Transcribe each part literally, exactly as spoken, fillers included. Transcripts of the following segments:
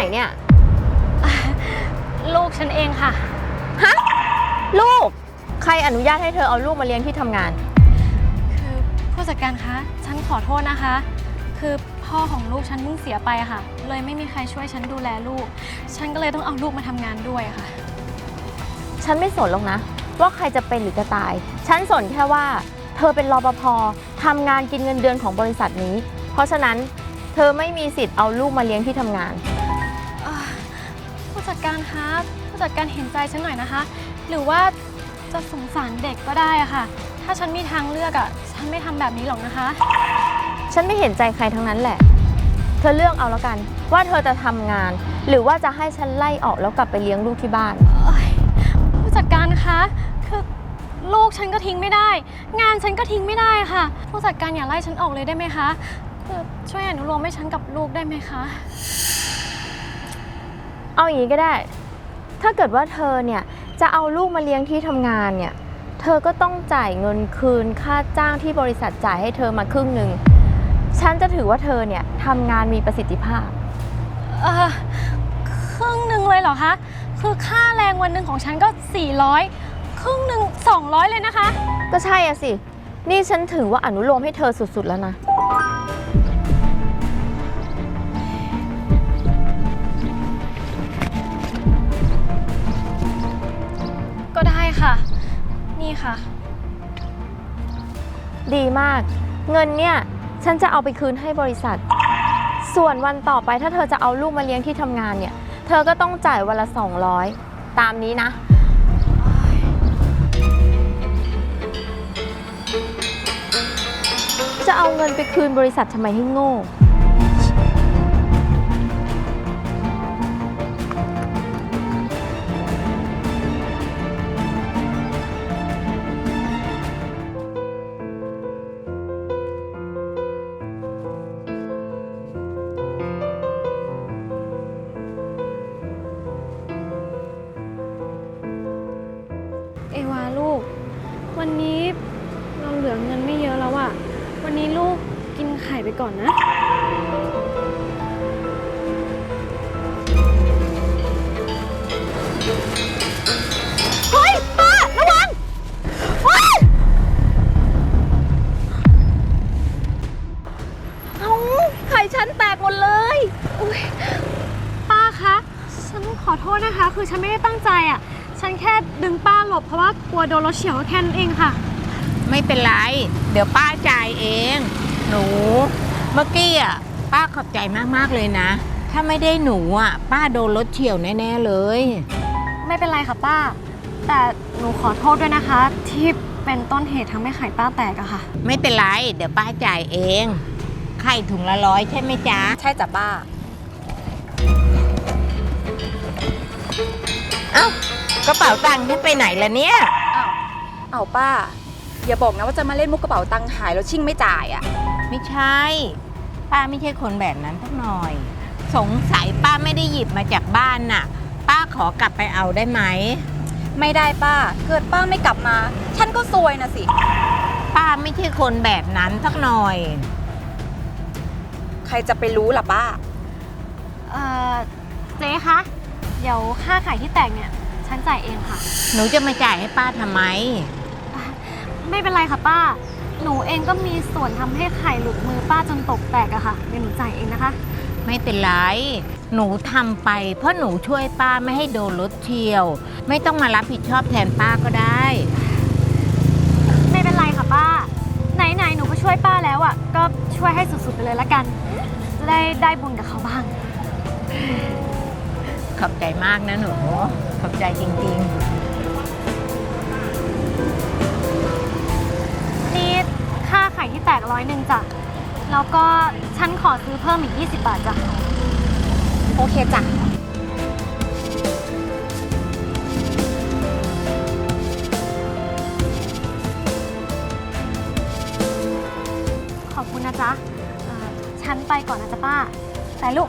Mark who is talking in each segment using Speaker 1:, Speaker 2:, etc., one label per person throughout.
Speaker 1: เนี่ย
Speaker 2: ลูกฉันเองค่ะ
Speaker 1: ฮะลูกใครอนุญาตให้เธอเอาลูกมาเลี้ยงที่ทำงาน
Speaker 2: คือผู้จัดการคะฉันขอโทษนะคะคือพ่อของลูกฉันเพิ่งเสียไปค่ะเลยไม่มีใครช่วยฉันดูแลลูกฉันก็เลยต้องเอาลูกมาทำงานด้วยค่ะ
Speaker 1: ฉันไม่สนหรอกนะว่าใครจะเป็นหรือจะตายฉันสนแค่ว่าเธอเป็นรปภทำงานกินเงินเดือนของบริษัทนี้เพราะฉะนั้นเธอไม่มีสิทธิ์เอาลูกมาเลี้ยงที่ทำงาน
Speaker 2: ผู้จัดการคะผู้จัดการเห็นใจฉันหน่อยนะคะหรือว่าจะสงสารเด็กก็ได้อะค่ะถ้าฉันมีทางเลือกอะฉันไม่ทำแบบนี้หรอกนะคะ
Speaker 1: ฉันไม่เห็นใจใครทั้งนั้นแหละเธอเลือกเอาแล้วกันว่าเธอจะทำงานหรือว่าจะให้ฉันไล่ออกแล้วกลับไปเลี้ยงลูกที่บ้าน
Speaker 2: ผู้จัดการคะคือลูกฉันก็ทิ้งไม่ได้งานฉันก็ทิ้งไม่ได้ค่ะผู้จัดการอย่าไล่ฉันออกเลยได้ไหมคะคือช่วยอนุโลมให้ฉันกับลูกได้ไหมคะ
Speaker 1: เอาอย่างนี้ก็ได้ถ้าเกิดว่าเธอเนี่ยจะเอาลูกมาเลี้ยงที่ทำงานเนี่ยเธอก็ต้องจ่ายเงินคืนค่าจ้างที่บริษัทจ่ายให้เธอมาครึ่งหนึ่งฉันจะถือว่าเธอเนี่ยทำงานมีประสิทธิภาพ
Speaker 2: เออครึ่งหนึ่งเลยเหรอคะคือค่าแรงวันหนึ่งของฉันก็สี่ร้อยครึ่งหนึ่งสองร้อยเลยนะคะ
Speaker 1: ก็ใช่อะสินี่ฉันถือว่าอนุโลมให้เธอสุดๆแล้วนะ
Speaker 2: ก็ได้ค่ะนี่ค่ะ
Speaker 1: ดีมากเงินเนี่ยฉันจะเอาไปคืนให้บริษัทส่วนวันต่อไปถ้าเธอจะเอาลูกมาเลี้ยงที่ทำงานเนี่ยเธอก็ต้องจ่ายวันละสองร้อยตามนี้นะจะเอาเงินไปคืนบริษัททำไมให้โง่
Speaker 2: เอวาลูกวันนี้เราเหลือเงินไม่เยอะแล้วอะวันนี้ลูกกินไข่ไปก่อนนะ
Speaker 1: เฮ้ยป้าระวังเอาไข่ฉันแตกหมดเลย
Speaker 2: ป้าคะฉันขอโทษนะคะคือฉันไม่ได้ตั้งใจอะฉันแค่ดึงป้าหลบเพราะว่ากลัวโดนรถเฉียวแค่นั้นเองค่ะ
Speaker 3: ไม่เป็นไรเดี๋ยวป้าจ่ายเองหนูเมื่อกี้อ่ะป้าขอบใจมากๆเลยนะถ้าไม่ได้หนูอ่ะป้าโดนรถเฉียวแน่ๆเลย
Speaker 2: ไม่เป็นไรค่ะป้าแต่หนูขอโทษด้วยนะคะที่เป็นต้นเหตุทำให้ไข่ป้าแตกอะค่ะ
Speaker 3: ไม่เป็นไรเดี๋ยวป้าจ่ายเองไข่ถุงละร้อยใช่ไหมจ๊ะ
Speaker 4: ใช่จ้ะป้า
Speaker 3: เอ้ากระเป๋าตังค์ฉันไปไหนล่ะเนี่ย
Speaker 4: อ้าวเอาป้าอย่าบอกนะว่าจะมาเล่นมุกกระเป๋าตังค์หายแล้วชิ่งไม่จ่ายอ่ะ
Speaker 3: ไม่ใช่ป้าไม่ใช่คนแบบนั้นสักหน่อยสงสัยป้าไม่ได้หยิบมาจากบ้านน่ะป้าขอกลับไปเอาได้ไหม
Speaker 4: ไม่ได้ป้าเกิดป้าไม่กลับมาฉันก็ซวยนะสิ
Speaker 3: ป้าไม่ใช่คนแบบนั้นสักหน่อย
Speaker 4: ใครจะไปรู้ล่ะป้า
Speaker 2: เอ่อเจ๊คะเดี๋ยวค่าไข่ที่แตกเนี่ยฉันจ่ายเองค่ะ
Speaker 3: หนูจะมาจ่ายให้ป้าทำไม
Speaker 2: ไม่เป็นไรค่ะป้าหนูเองก็มีส่วนทำให้ไข่หลุดมือป้าจนตกแตกอะค่ะเดี๋ยวหนูจ่ายเองนะคะ
Speaker 3: ไม่เป็นไรหนูทำไปเพราะหนูช่วยป้าไม่ให้โดนรถเฉี่ยวไม่ต้องมารับผิดชอบแทนป้าก็ได้
Speaker 2: ไม่เป็นไรค่ะป้าไหนๆหนูก็ช่วยป้าแล้วอะก็ช่วยให้สุดๆไปเลยละกันได้ได้บุญกับเขาบ้าง
Speaker 3: ขอบใจมากนะหนูขอบใจจริงๆ
Speaker 2: นี่ค่าไข่ที่แตกร้อยหนึ่งจ้ะแล้วก็ฉันขอซื้อเพิ่มอีกยี่สิบบาทจ้ะ
Speaker 4: โอเคจ้ะ
Speaker 2: ขอบคุณนะจ๊ะฉันไปก่อนนะจ๊ะป้าแต่ลูก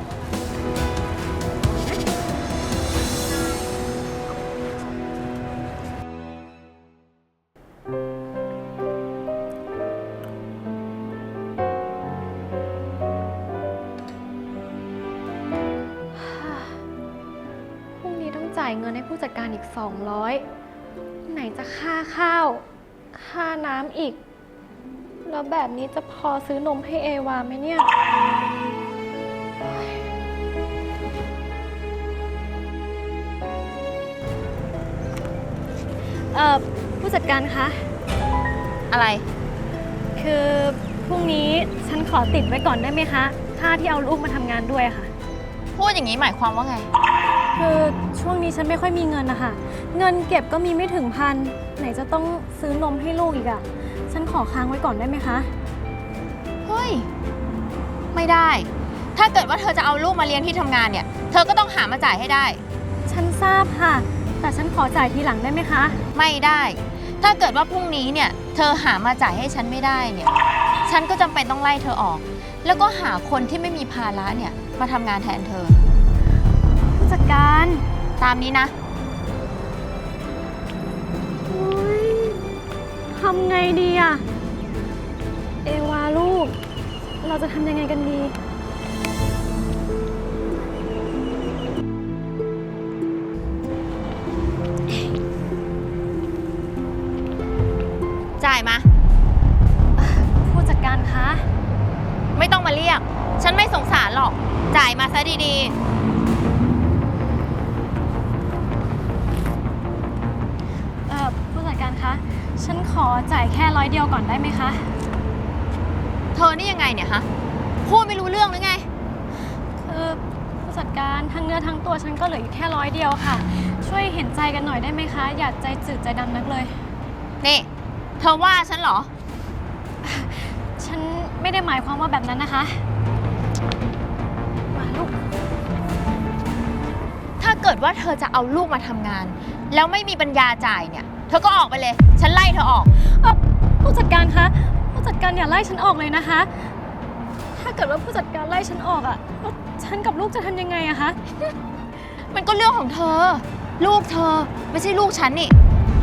Speaker 2: จ่ายเงินให้ผู้จัดการอีก สองร้อย ไหนจะค่าข้าว ค่าน้ำอีก แล้วแบบนี้จะพอซื้อนมให้เอวาไหมเนี่ย เอ่อ ผู้จัดการคะ
Speaker 1: อะไร
Speaker 2: คือพรุ่งนี้ฉันขอติดไว้ก่อนได้ไหมคะ ค่าที่เอาลูกมาทำงานด้วยอะค่ะ
Speaker 1: พูดอย่างนี้หมายความว่าไง
Speaker 2: คือช่วงนี้ฉันไม่ค่อยมีเงินนะคะ เงินเก็บก็มีไม่ถึงพัน ไหนจะต้องซื้อนมให้ลูกอีกอะฉันขอค้างไว้ก่อนได้ไหมคะ
Speaker 1: เฮ้ย ไม่ได้ ถ้าเกิดว่าเธอจะเอาลูกมาเลี้ยงที่ทำงานเนี่ย เธอก็ต้องหามาจ่ายให้ได้
Speaker 2: ฉันทราบค่ะ แต่ฉันขอจ่ายทีหลังได้ไหมคะ
Speaker 1: ไม่ได้ ถ้าเกิดว่าพรุ่งนี้เนี่ย เธอหามาจ่ายให้ฉันไม่ได้เนี่ย ฉันก็จำเป็นต้องไล่เธอออก แล้วก็หาคนที่ไม่มีภาระเนี่ยมาทำงานแทนเธอ
Speaker 2: ผู้จัดการ
Speaker 1: ตามนี้นะ
Speaker 2: โอ๊ยทำไงดีอะเอวาลูก เราจะทำยังไงกันดี
Speaker 1: จ่ายมา
Speaker 2: ผู้จัดการคะ
Speaker 1: ไม่ต้องมาเรียก ฉันไม่สงสารหรอก จ่ายมาซะดี
Speaker 2: เอ่อ ผู้จัดการคะ ฉันขอจ่ายแค่ร้อยเดียวก่อนได้ไหมคะ
Speaker 1: ๆ เธอนี่ยังไงเนี่ยฮะ พูดไม่รู้เรื่องหรือไง
Speaker 2: คือผู้จัดการทั้งเนื้อทั้งตัวฉันก็เหลืออยู่แค่ร้อยเดียวค่ะ ช่วยเห็นใจกันหน่อยได้ไหมคะ อย่าใจจืดใจดำนักเลย
Speaker 1: นี่ เธอว่าฉันเหรอ
Speaker 2: ฉันไม่ได้หมายความว่าแบบนั้นนะคะ มาลูก
Speaker 1: ถ้าเกิดว่าเธอจะเอาลูกมาทำงาน แล้วไม่มีปัญญาจ่ายเนี่ย เธอก็ออกไปเลย ฉันไล่เธอออก
Speaker 2: เอ่อผู้จัดการคะ ผู้จัดการอย่าไล่ฉันออกเลยนะคะ ถ้าเกิดว่าผู้จัดการไล่ฉันออกอะแล้วฉันกับลูกจะทำยังไงอะคะ
Speaker 1: มันก็เรื่องของเธอ ลูกเธอไม่ใช่ลูกฉันนี่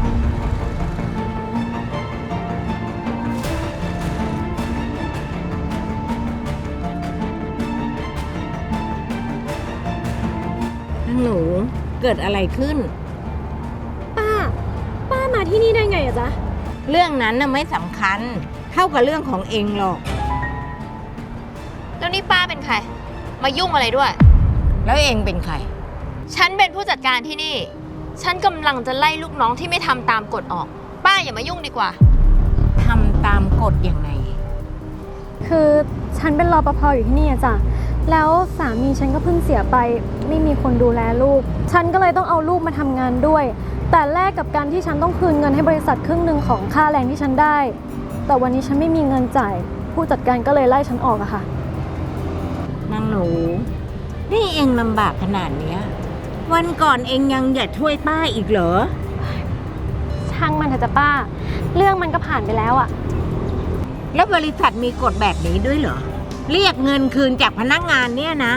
Speaker 3: หนูเกิดอะไรขึ้น
Speaker 2: ป้า ป้ามาที่นี่ได้ไงอะจ๊ะ
Speaker 3: เรื่องนั้นน่ะไม่สำคัญ เท่ากับเรื่องของเองหรอก
Speaker 1: แล้วนี่ป้าเป็นใคร มายุ่งอะไรด้วย
Speaker 3: แล้วเองเป็นใคร
Speaker 1: ฉันเป็นผู้จัดการที่นี่ ฉันกำลังจะไล่ลูกน้องที่ไม่ทำตามกฎออก ป้าอย่ามายุ่งดีกว่า
Speaker 3: ทำตามกฎยังไง
Speaker 2: คือฉันเป็นรปภอยู่ที่นี่อะจ้ะ แล้วสามีฉันก็เพิ่งเสียไป ไม่มีคนดูแลลูก ฉันก็เลยต้องเอาลูกมาทำงานด้วย แต่แลกกับการที่ฉันต้องคืนเงินให้บริษัทครึ่งหนึ่งของค่าแรงที่ฉันได้ แต่วันนี้ฉันไม่มีเงินจ่าย ผู้จัดการก็เลยไล่ฉันออกอะค่ะ
Speaker 3: นางหนู นี่เองลำบากขนาดเนี้ย วันก่อนเองยังอยากช่วยป้าอีกเหรอ
Speaker 2: ช่างมันเถอะจ้ะป้า เรื่องมันก็ผ่านไปแล้วอะ
Speaker 3: แล้วบริษัทมีกฎแบบนี้ด้วยเหรอ เรียกเงินคืนจากพนักงานเนี่ยนะ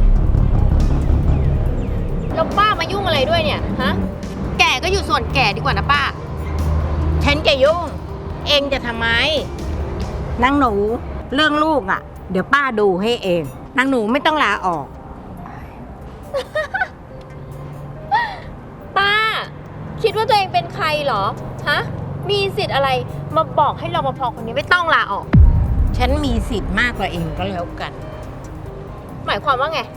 Speaker 1: แล้วป้ามายุ่งอะไรด้วยเนี่ย ฮะ แก่ก็อยู่ส่วนแก่ดีกว่านะป้า
Speaker 3: ฉันจะยุ่ง เองจะทำไม นางหนู เรื่องลูกอ่ะ เดี๋ยวป้าดูให้เอง นางหนูไม่ต้องลาออก
Speaker 1: ป้า คิดว่าตัวเองเป็นใครเหรอ ฮะ มีสิทธิ์อะไรมาบอกให้รปภคนนี้ไม่ต้องลาออก
Speaker 3: ฉันมีสิทธิ์มากกว่าเองก็แล้วกัน
Speaker 1: หมายความว่าไง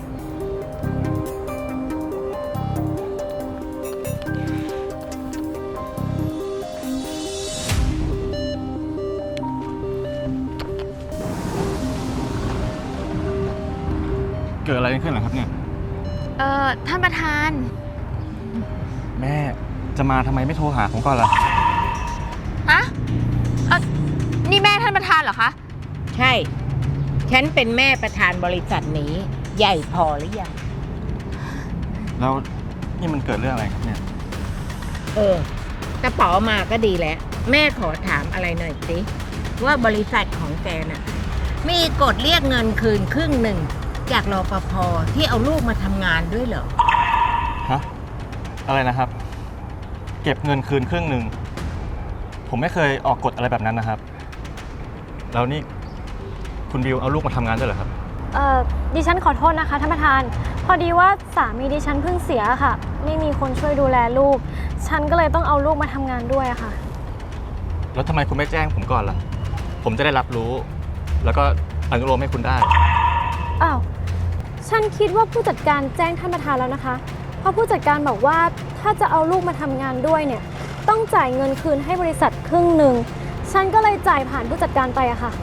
Speaker 5: เกิดอะไรขึ้นเหรอครับเนี่ย
Speaker 1: เอ่อ ท่านประธาน
Speaker 5: แม่จะมาทำไมไม่โทรหาผมก่อนล่ะ
Speaker 1: ฮะเอ่อนี่แม่ท่านประธานเหรอคะ
Speaker 3: ใช่ ฉันเป็นแม่ประธานบริษัทนี้ ใหญ่พอหรือยัง
Speaker 5: แล้วนี่มันเกิดเรื่องอะไรครับเนี่ย
Speaker 3: เออกระเป๋ามาก็ดีแล้ว แม่ขอถามอะไรหน่อยสิ ว่าบริษัทของแกน่ะ มีกฎเรียกเงินคืนครึ่งหนึ่งจากรปภที่เอาลูกมาทำงานด้วยเหรอ
Speaker 5: ฮะ อะไรนะครับ เก็บเงินคืนครึ่งหนึ่ง ผมไม่เคยออกกฎอะไรแบบนั้นนะครับ แล้วนี่คุณบิวเอาลูกมาทำงานด้วยเหรอครับ
Speaker 2: เอ่อ ดิฉันขอโทษนะคะท่านประธาน พพอดีว่าสามีดิฉันเพิ่งเสียค่ะ ไม่มีคนช่วยดูแลลูก ฉันก็เลยต้องเอาลูกมาทำงานด้วยอะค่ะ
Speaker 5: แล้วทำไมคุณไม่แจ้งผมก่อนล่ะ ผมจะได้รับรู้ แล้วก็อนุโลมให้คุณได้
Speaker 2: อ้าว ฉันคิดว่าผู้จัดการแจ้งท่านประธานแล้วนะคะ เพราะผู้จัดการบอกว่าถ้าจะเอาลูกมาทำงานด้วยเนี่ย ต้องจ่ายเงินคืนให้บริษัทครึ่งหนึ่ง ฉันก็เลยจ่ายผ่านผู้จัดการไปอะค่ะ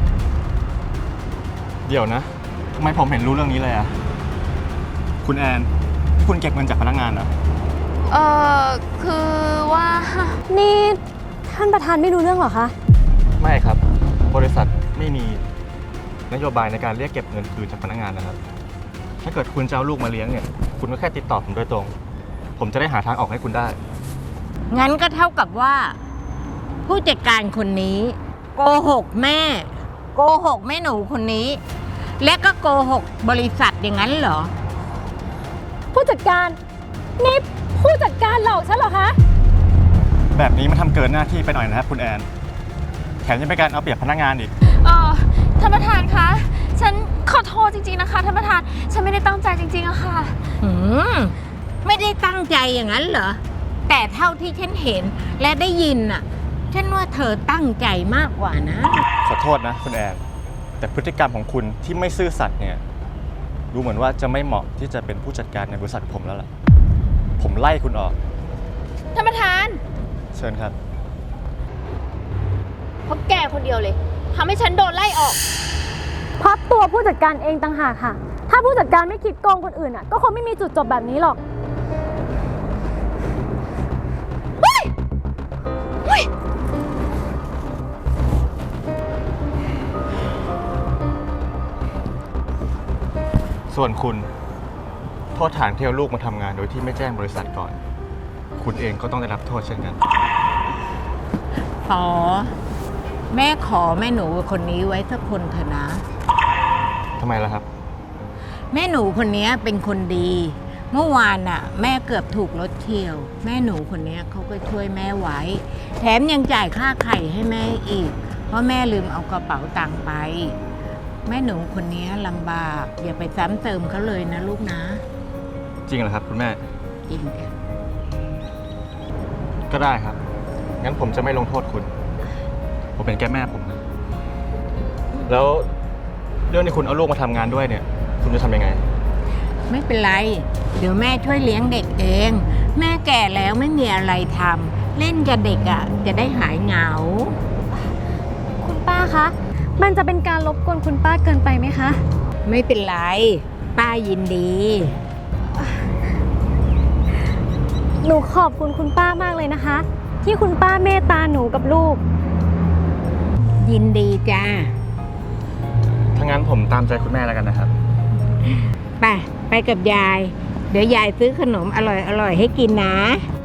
Speaker 5: เดี๋ยวนะทำไมผมเห็นรู้เรื่องนี้เลยอะคุณแอนคุณเก็บเงินจากพนักงานเหรอ
Speaker 1: เออคือว่า
Speaker 2: นี่ท่านประธานไม่รู้เรื่องเหรอคะ
Speaker 5: ไม่ครับ บริษัทไม่มีนโยบายในการเรียกเก็บเงินคืนจากพนักงานนะครับ ถ้าเกิดคุณจะเอาลูกมาเลี้ยงเนี่ย คุณก็แค่ติดต่อผมโดยตรง ผมจะได้หาทางออกให้คุณได้
Speaker 3: งั้นก็เท่ากับว่า ผู้จัดการคนนี้ โกหกแม่ โกหกแม่หนูคนนี้ และก็โกหกบริษัทอย่างนั้นเหรอ
Speaker 2: ผู้จัดการ นี่ผู้จัดการหลอกฉันเหรอคะ
Speaker 5: แบบนี้มันทำเกินหน้าที่ไปหน่อยนะครับคุณแอน แถมยังเป็นการเอาเปรียบพนักงานอีก
Speaker 1: เออท่านประธานคะ ฉันขอโทษจริงๆนะคะท่านประธาน ฉันไม่ได้ตั้งใจจริงๆอะค่ะ
Speaker 3: หืมไม่ได้ตั้งใจอย่างนั้นเหรอ แต่เท่าที่ฉันเห็นและได้ยินน่ะ ฉันว่าเธอตั้งใจมากกว่านะ
Speaker 5: ขอโทษนะคุณแอน แต่พฤติกรรมของคุณที่ไม่ซื่อสัตย์เนี่ย ดูเหมือนว่าจะไม่เหมาะที่จะเป็นผู้จัดการในบริษัทผมแล้วล่ะ ผมไล่คุณออก
Speaker 1: ท่านประธาน
Speaker 5: เชิญครับ
Speaker 1: เพราะแกคนเดียวเลยทำให้ฉันโดนไล่ออก
Speaker 2: เพราะตัวผู้จัดการเองต่างหากค่ะ ถ้าผู้จัดการไม่คิดโกงคนอื่นอ่ะ ก็คงไม่มีจุดจบแบบนี้หรอก
Speaker 5: ส่วนคุณ โทษฐานที่เอาลูกมาทำงานโดยที่ไม่แจ้งบริษัทก่อน คุณเองก็ต้องได้รับโทษเช่นกัน
Speaker 3: ขอ แม่ขอแม่หนูคนนี้ไว้สักคนเถอะนะ
Speaker 5: ทำไมล่ะครับ
Speaker 3: แม่หนูคนนี้เป็นคนดี เมื่อวานน่ะ แม่เกือบถูกรถเฉี่ยว แม่หนูคนนี้เขาก็ช่วยแม่ไว้ แถมยังจ่ายค่าไข่ให้แม่อีก เพราะแม่ลืมเอากระเป๋าตังค์ไป แม่หนูคนนี้ลำบาก อย่าไปซ้ำเติมเขาเลยนะลูกนะ
Speaker 5: จริงเหรอครับคุณแม่
Speaker 3: จริงจ้ะ
Speaker 5: ก็ได้ครับ งั้นผมจะไม่ลงโทษคุณ ผมเป็นแค่แม่ผมนะ แล้วเรื่องที่คุณเอาลูกมาทำงานด้วยเนี่ย คุณจะทำยังไง
Speaker 3: ไม่เป็นไร เดี๋ยวแม่ช่วยเลี้ยงเด็กเอง แม่แก่แล้วไม่มีอะไรทำเล่นกับเด็กอ่ะ จะได้หายเหงา
Speaker 2: คุณป้าคะ มันจะเป็นการรบกวนคุณป้าเกินไปไหมคะ
Speaker 3: ไม่เป็นไร ป้ายินดี
Speaker 2: หนูขอบคุณคุณป้ามากเลยนะคะ ที่คุณป้าเมตตาหนูกับลูก
Speaker 3: ยินดีจ้า
Speaker 5: ถ้างั้นผมตามใจคุณแม่แล้วกันนะครับ
Speaker 3: ไป ไปกับยาย เดี๋ยวยายซื้อขนมอร่อยๆให้กินนะ